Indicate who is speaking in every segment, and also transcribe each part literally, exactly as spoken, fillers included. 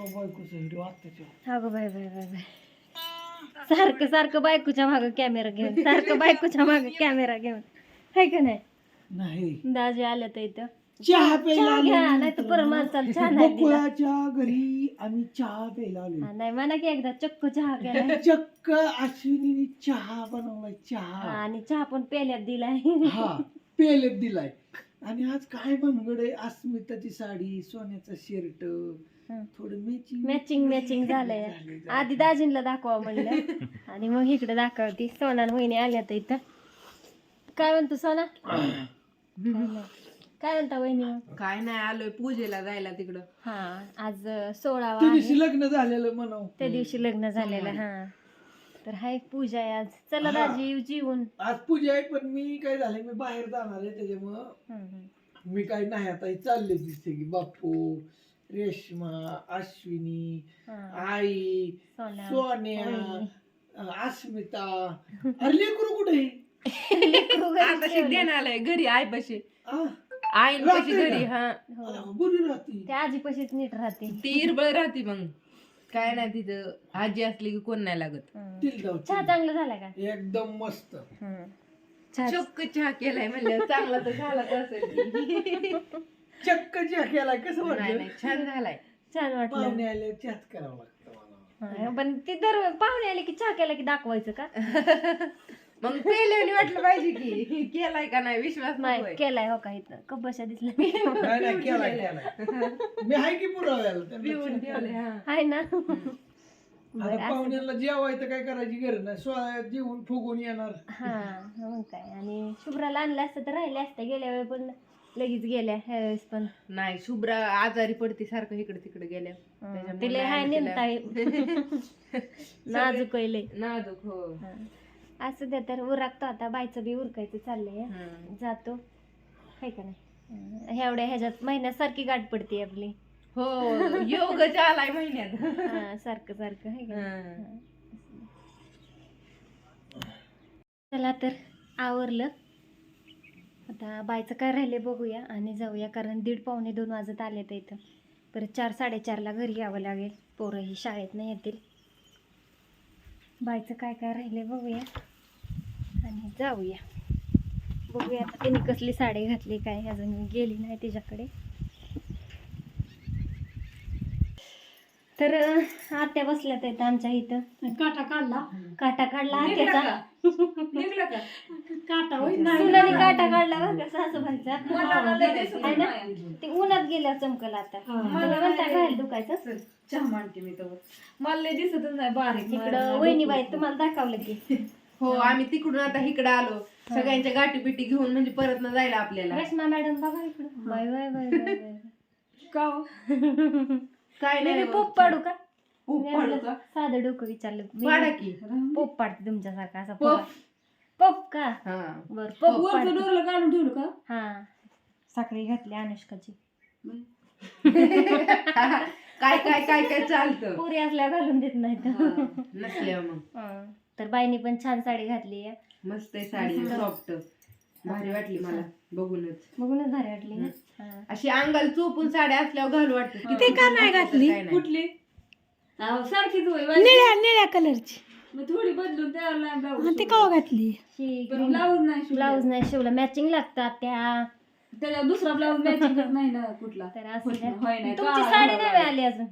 Speaker 1: अगं bye bye bye bye सारखं सारखं बायकोच्या मागं कॅमेरा घेऊन सारखं बायकोच्या मागं कॅमेरा घेऊन हाय का नाही
Speaker 2: नाही
Speaker 1: दाजी आल्या तर इथं
Speaker 2: चहा प्यायला
Speaker 1: घ्या नाही तर परत माणसाला चहा नाही दिला.
Speaker 2: गोकुळाच्या घरी आम्ही चहा प्यायला आलो
Speaker 1: हा, नाही म्हणा की एकदा चक्क चहा केला
Speaker 2: चक्क अश्विनीने चहा बनवलाय चहा
Speaker 1: आणि चहा पण पेल्यात दिलाय
Speaker 2: हा पेलेत दिलाय आणि आज काय भानगड आहे अस्मिताची साडी सोन्याचा शर्ट थोडं मॅचिंग
Speaker 1: मॅचिंग मॅचिंग झालंय आधी दाजींला दाखवा म्हणलं आणि मग इकडे दाखवती सोना वहिनी आल्या तर इथं काय म्हणतो सोना काय म्हणता वहिनी मग?
Speaker 3: काय नाही आलोय पूजेला जायला तिकडं.
Speaker 1: हा आज सोळावा
Speaker 2: त्या
Speaker 1: आहे.
Speaker 2: दिवशी लग्न झालेलं म्हणाव
Speaker 1: त्या दिवशी लग्न झालेलं हा तर हाय पूजा आहे आज चला
Speaker 2: हा.
Speaker 1: दाजी जीवन
Speaker 2: आज पूजा आहे पण मी काय झालंय मी बाहेर जाणार आहे त्याच्यामुळं मी काय नाही आता हे चालले दिसते की बापू रेश्मा अश्विनी आई
Speaker 1: सोना
Speaker 2: सोन्या
Speaker 1: वहिनी.
Speaker 2: अं, अस्मिता अरे लेकरू कुठे आहे?
Speaker 1: लेकरू घरी
Speaker 3: आता
Speaker 1: ठेवलंय.
Speaker 3: देणं आलंय घरी आई पशी
Speaker 2: आ?
Speaker 3: आई पशी
Speaker 2: राहते
Speaker 3: घरी
Speaker 2: का?
Speaker 3: हा
Speaker 1: हो.
Speaker 2: अं, बरी राहती
Speaker 1: त्या आजी पशीच नीट राहते
Speaker 3: ती इरबळ राहते मग काय नाही तिथं आजी असली की कोण नाही लागत.
Speaker 1: हम्म.
Speaker 2: तिला जाऊ,
Speaker 1: चहा
Speaker 2: तिला.
Speaker 1: चांगला झाला का
Speaker 2: एकदम मस्त
Speaker 1: हम्म. चहा
Speaker 3: चक्क चहा केलाय म्हणलं चांगला तर झालाच असेल.
Speaker 2: चक्क चहा केलाय कसं
Speaker 3: नाही
Speaker 2: वाटलं
Speaker 3: नाही छान झालाय.
Speaker 1: छान वाटलं
Speaker 2: पाहुणे आले चहाच करावं लागतं मला
Speaker 1: हा, पण ती दर पाहुणे आले की चहा केला की दाखवायचं का
Speaker 3: मग पेल्याने वाटलं पाहिजे की केलाय का नाही विश्वास
Speaker 1: नाही
Speaker 3: नकोय.
Speaker 1: केलाय हो का इथं कब्बशा दिसला
Speaker 2: नाही नाही केलाय केलाय मी आहे की पुराव्याला त्यांना
Speaker 3: पिऊन
Speaker 2: चहा
Speaker 3: ठेवलंय, हा.
Speaker 1: आहे ना
Speaker 2: आता
Speaker 1: बरं, असं-
Speaker 2: पाहुण्याला जेवायचं काय करायची गरज नाही सोळा जेवून फुगून येणार
Speaker 1: हा मग काय आणि शुभ्राला आणलं असतं तर राहिले असते गेल्या वेळी पण लगेच गेल्या ह्या वेळेस पण
Speaker 3: नाही शुभ्रा आजारी पडते सारखं इकडे तिकडे गेल्या
Speaker 1: हं,
Speaker 3: त्याच्यामुळे
Speaker 1: तिला
Speaker 3: नाही
Speaker 1: हाय
Speaker 3: आणलं
Speaker 1: नेमता नाजूक आहे लय.
Speaker 3: नाजूक हो.
Speaker 1: हं. असं द्या तर उरकतो आता बायचं बी उरकायचं चाललंय
Speaker 3: हं.
Speaker 1: जातो हाय का नाही हं, एवढ्या ह्याच्यात महिन्यासारखी गाठ पडते आपली
Speaker 3: हो योग आलाय महिन्यात.
Speaker 1: हा, सारखं सारखं हाय का नाही?
Speaker 3: हं.
Speaker 1: हं. चला तर आवरलं आता बायचं काय राहिले बघूया आणि जाऊया कारण दीड पावणे दोन वाजत आले तर इथं परत चार साडेचारला घरी यावं लागेल पोरंही शाळेत नाही येतील बायचं काय काय राहिले बघूया आणि जाऊया बघूया आता तिने कसली साडी घातली काय अजून मी गेली नाही तिच्याकडे तर आत्या बसल्यात आहेत आमच्या इथं
Speaker 4: काटा काढला
Speaker 1: काटा काढला
Speaker 3: निघला
Speaker 1: आत्याचा
Speaker 3: का? निघला का?
Speaker 4: काटा होईल
Speaker 1: सुनाने काटा काढला बरं का सासूबाईचा
Speaker 3: मला लय दिसत
Speaker 1: आहे ना
Speaker 3: नाही.
Speaker 1: ते उन्हात गेल्यावर चमकल आता मला म्हणता घाल दुखायचं
Speaker 3: चहा मांडते मी तर मला लय दिसतच नाही बारीक
Speaker 1: इकडं वहिनीबाई तुम्हाला दाखवलं की
Speaker 3: हो आम्ही तिकडून आता इकडे आलो सगळ्यांच्या गाठी बिटी घेऊन म्हणजे परत न जायला आपल्याला
Speaker 1: रेश्मा मॅडम बघा इकडं bye bye bye bye bye
Speaker 3: का काय
Speaker 1: मी
Speaker 3: नाही
Speaker 1: बी पोप पाडू का
Speaker 3: पोप पाडू का?
Speaker 1: साधं डोकं विचारलं मी
Speaker 3: पाडा की
Speaker 1: पोप पाडते तुमच्यासारखा असा
Speaker 3: पोप.
Speaker 1: पोप का
Speaker 3: हा
Speaker 1: बर पोप
Speaker 4: वरचं
Speaker 1: पाडते.
Speaker 4: डोरलं काढून ठेवलं का
Speaker 1: हा साखळी घातली अनुष्काची
Speaker 3: काय काय काय काय चालतं
Speaker 1: पुरी असल्या घालून देत नाही तर
Speaker 3: नसल्या मग
Speaker 1: हं. तर बाईनी पण छान साडी घातली आहे
Speaker 3: मस्त आहे साडी सॉफ्ट भारी वाटली मला बघूनच
Speaker 1: बघूनच भारी वाटली ना हा.
Speaker 3: अशी अंगाला चोपून साड्या असल्यावर घालू वाटत
Speaker 4: ते का नाही घातली?
Speaker 3: कुठली
Speaker 4: अहो, सारखीच होय
Speaker 5: निळ्या निळ्या कलरची
Speaker 4: मग थोडी बदलून त्यावर नाही ब्लाऊज
Speaker 5: आणि ते कवा घातली
Speaker 1: शी
Speaker 4: पण ब्लाऊज नाही शिवला.
Speaker 1: ब्लाऊज नाही शिवला मॅचिंग लागतात त्या
Speaker 4: त्याच्यावर दुसरा ब्लाऊज मॅचिंगच नाही ना कुठला
Speaker 1: तर असं द्या.
Speaker 4: होय नाही
Speaker 1: तुमची
Speaker 4: का?
Speaker 1: साडी नाही मिळाली अजून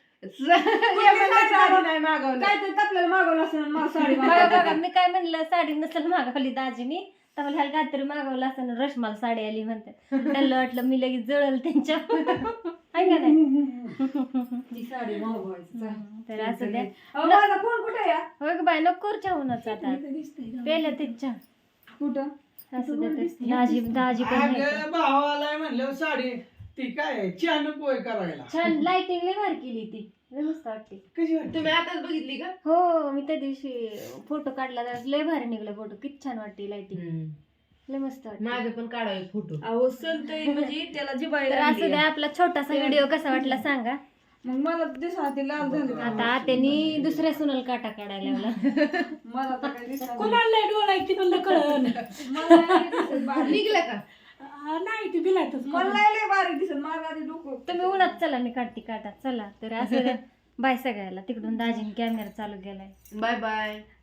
Speaker 3: साडी नाही मागवलं
Speaker 4: काय तर आपल्याला मागवलं असं मला साडी
Speaker 1: बघा
Speaker 4: मागवली.
Speaker 1: बघा मी काय म्हणलं साडी नसेल मागवली दाजीनी तर मला ह्याला काहीतरी मागवलं असं रश्माला साडी आली म्हणते त्यांना वाटलं मी लगेच जळल त्यांच्या आहे का नाही
Speaker 4: ती साडी मागवायची
Speaker 1: तर असं द्या
Speaker 4: अहो, माझा फोन कुठे आहे?
Speaker 1: हो का बाय नको चहाच आता
Speaker 4: इथं दिसतंय का?
Speaker 1: पेलं ते चहा
Speaker 4: कुठं
Speaker 1: असं द्या तर. दाजी दाजी पण नाही का?
Speaker 2: अगं भावाला म्हणल्यावर साडी ती काय छान पोय करायला
Speaker 1: छान लाइटिंग लय भारी केली ती लय मस्त वाटते
Speaker 2: कशी वाटते
Speaker 3: तुम्ही आताच बघितली का
Speaker 1: हो मी त्या दिवशी फोटो काढला तर लय भारी निघला फोटो किती छान वाटते लाइटिंग लय मस्त वाटते
Speaker 3: माझं पण काढावे फोटो
Speaker 4: अहो सलतय म्हणजे त्याला
Speaker 1: तर
Speaker 4: जिबायला
Speaker 1: असं द्या आपला छोटासा व्हिडिओ कसा वाटला सांगा
Speaker 4: मग मला दिसा ते लाल झाले
Speaker 1: आता त्यांनी दुसऱ्या सुनल काटा काढायला लावला
Speaker 4: मला तर काही दिसत
Speaker 5: कोणाला डोळा आहे ती म्हणलं कळण
Speaker 4: मला नाही दिसत बारीक.
Speaker 3: निघलं का
Speaker 5: नाही ती बिलातच
Speaker 4: मला लय लय बारीक दिसत माझं आधी डोकं
Speaker 1: तुम्ही उन्हात चला मी काढते काटा चला तर असं बाय सगळ्याला तिकडून दाजीने कॅमेरा चालू केलाय
Speaker 3: बाय बाय